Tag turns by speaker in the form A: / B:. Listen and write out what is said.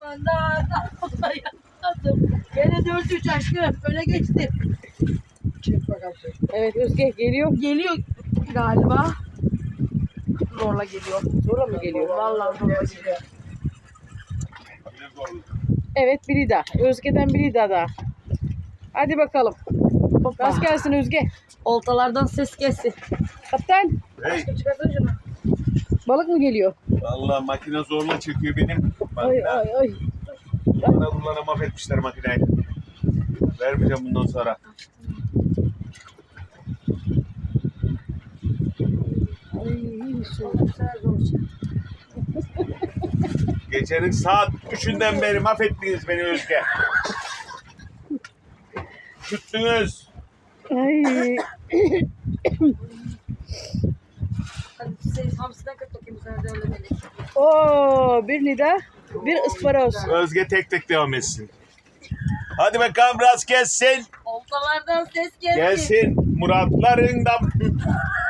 A: Dayanamadım. Gene 4-3 aşkım. Öne geçti.
B: Çek bakalım.
C: Evet Özge geliyor.
A: Geliyor galiba. Zorla geliyor.
C: Zorla mı geliyor?
A: Vallahi zorla geliyor.
C: Evet biri daha. Özge'den biri daha. Hadi bakalım.
A: Hoppa.
C: Rast gelsin Özge.
A: Oltalardan ses gelsin.
C: Kaptan
D: Hey,
A: Çıkarsana şunu.
C: balık mı geliyor?
D: vallahi makine zorla çekiyor benim.
C: Ay ay ay.
D: Bana bunlara mahvetmişler makineyi. Vermeyeceğim bundan sonra.
C: Ay su.
D: Gecenin saat 3'ünden beri mahvettiniz beni Özge. Tuttunuz.
C: Ay.
A: Hadi sen hamsiden kat bakayım sana da öyle melek.
C: Oo, bir nida, bir ısparoz.
D: Özge tek tek devam etsin. Hadi bakalım rast gelsin.
A: Oltalardan ses gelsin.
D: Gelsin Muratlarından.